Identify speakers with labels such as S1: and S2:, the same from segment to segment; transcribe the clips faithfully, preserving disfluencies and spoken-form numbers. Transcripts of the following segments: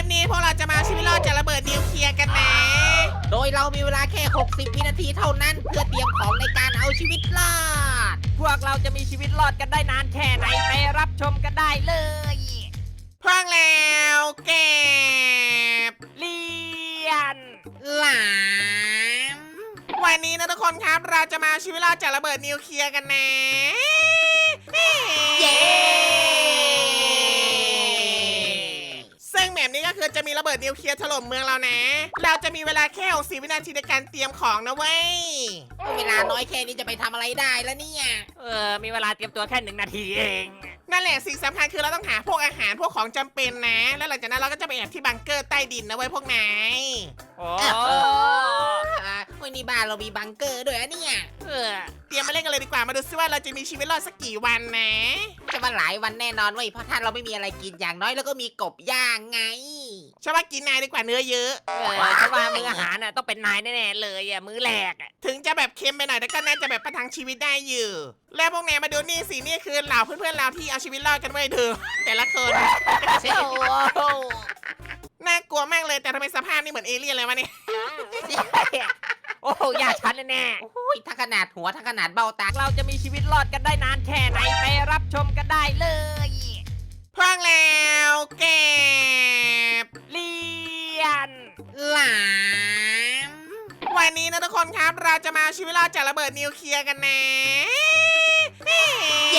S1: นี้พวกเราจะมาเอาชีวิตรอดจากระเบิดนิวเคลียร์กันนะ
S2: โดยเรามีเวลาแค่หกสิบวินาทีเท่านั้นเพื่อเตรียมของในการเอาชีวิตรอด
S3: พวกเราจะมีชีวิตรอดกันได้นานแค่ไหนไปรับชมกันได้เลย
S1: พวกแล้วเก็บ
S3: เลียน
S1: หลามวันนี้นะทุกคนครับเราจะมาเอาชีวิตรอดจากระเบิดนิวเคลียร์กันนะ
S2: เย้
S1: ซึ่งแบบนี้ก็คือจะมีระเบิดนิวเคลียร์ถล่มเมืองเรานะ เราจะมีเวลาแค่หกสิบวินาทีในการเตรียมของนะเว้ย
S2: เวลาน้อยแค่นี้จะไปทำอะไรได้แล้วเนี่ย
S3: เออมีเวลาเตรียมตัวแค่หนึ่งนาทีเอง
S1: นั่นแหละสิ่งสำคัญคือเราต้องหาพวกอาหารพวกของจำเป็นนะ แล้วหลังจากนั้นเราก็จะไปแอบที่บังเกอร์ใต้ดินนะเว้ยพวกนาย
S3: โอ้
S2: อ่ะวันนี้บ้านเรามีบังเกอร์ด้วยอะเนี่ย
S3: เออ
S1: เตรียมมาเล่นกันเลยดีกว่ามาดูซิว่าเราจะมีชีวิตรอดสักกี่วันนะ
S2: จะมาหลายวันแน่นอนเว้ยเพราะถ้าเราไม่มีอะไรกินอย่างน้อยแล้วก็มีกบย่างไง
S1: ฉันว่ากินนายดีกว่าเนื้อเยอะ
S3: เออเพราะว่ามื้ออาหารน่ะต้องเป็นนายแน่ๆเลยอ่ะมื้อแรกอ่ะ
S1: ถึงจะแบบเค็มไปหน่อยแต่ก็น่าจะแบบประทังชีวิตได้อยู่ แล้วพวกนายมาดูนี่สินี่คือเหล่าเพื่อนๆเราที่เอาชีวิตรอดกันไว้เถอะแต่ละคน
S2: โอ้โห
S1: น่ากลัวมากเลยแต่ทำไมสภาพนี่เหมือนเอเลี่ยนเลยวะเนี่ย
S3: โอ้โหยากชันแน่
S2: โอ้ยทั้งขนาดหัวทั้งขนาดเบ้าตา
S3: ๆเราจะมีชีวิตรอดกันได้นานแค่ไหนไปรับชมกันได้เลย
S1: พวกแล้วเก็บ
S3: เลียน
S1: หลามวันนี้นะทุกคนครับเราจะมาเอาชีวิตรอดจากระเบิดนิวเคลียร์กันนะ
S2: เย้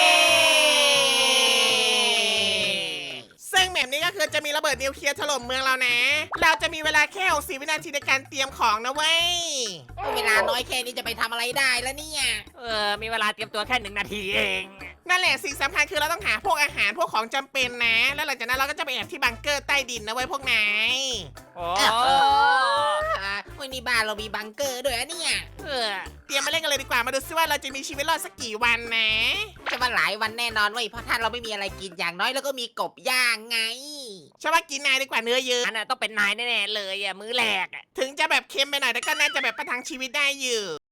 S1: ซึ่งแบบนี้ก็คือจะมีระเบิดนิวเคลียร์ถล่มเมืองเรานะ เราจะมีเวลาแค่หกสิบวินาทีในการเตรียมของนะเว้ย
S2: เวลาน้อยแค่นี้จะไปทำอะไรได้แล้วเนี่ย
S3: เออมีเวลาเตรียมตัวแค่หนึ่งนาทีเอง
S1: นั่นแหละสิ่งสำคัญคือเราต้องหาพวกอาหารพวกของจำเป็นนะ แล้วหลังจากนั้นเราก็จะไปแอบที่บังเกอร์ใต้ดินนะเว้ยพวกนาย
S3: โอ้
S2: อ่ะวันนี้บ้านเรามีบังเกอร์ด้วยอะเนี่ย
S3: เออ
S1: เตรียมมาเล่นกันเลยดีกว่ามาดูซิว่าเราจะมีชีวิตรอดสักกี่วันนะ
S2: จะมาหลายวันแน่นอนเว้ยเพราะถ้าเราไม่มีอะไรกินอย่างน้อยแล้วก็มีกบย่างไง
S1: ฉันว่ากินนายดีกว่าเนื้อเยอะ
S3: อันน่ะต้องเป็นนายแน่ๆเลยอ่ะมื้อแรกอ่ะ
S1: ถึงจะแบบเค็มไปหน่อยแต่ก็น่าจะแบบประทังชีวิตได้อยู่